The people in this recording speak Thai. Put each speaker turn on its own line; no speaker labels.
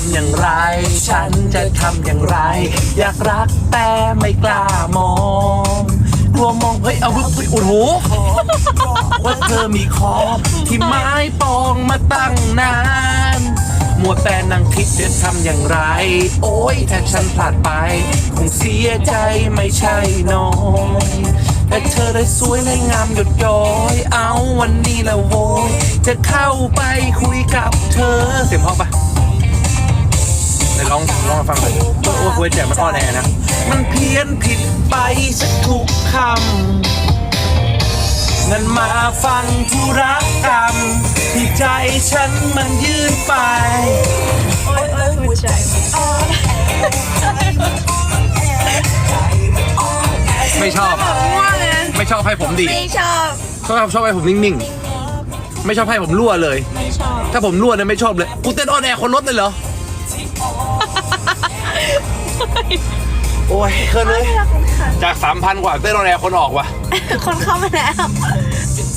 ำอย่างไรฉันจะทำอย่างไรอยากรักแต่ไม่กล้ามองกลัวมองเฮ้ยเอาอุ๊ยโอ้โหว่าเธอมีคอที่ไม้ปองมาตั้งนานมัวแต่นั่งคิดจะทำอย่างไรโอ้ยถ้าฉันพลาดไปคงเสียใจไม่ใช่น้อยแต่เธอได้สวยได้งามหยดย้อยเอาวันนี้ละโวยจะเข้าไปคุยกับเธอเสียงเพราะปะไหนลองมาฟังหน่อยโอ้คุยแจกมันอ้อแน่นะมันเพี้ยนผิดไปสักทุกคำงั้นมาฟังธุรกรรมที่ใจฉันมันยื่นไป
โอ้ยหัวใจ
ไม่ชอบ ไม่ชอบให้ผมดี
ไม่ชอบ
ชอบให้ผมนิ่งๆไม่ชอบให้ผมรั่วเลย
ไม่ชอบ
ถ้าผมรั่วเนี่ยไม่ชอบเลยกูเต้นออนแอร์คนรถเลยเหรอโอ้ยเคินเลยจาก 3,000 กว่าเต้นออนแอร์คนออกว่ะ
คนเข้ามาแล้ว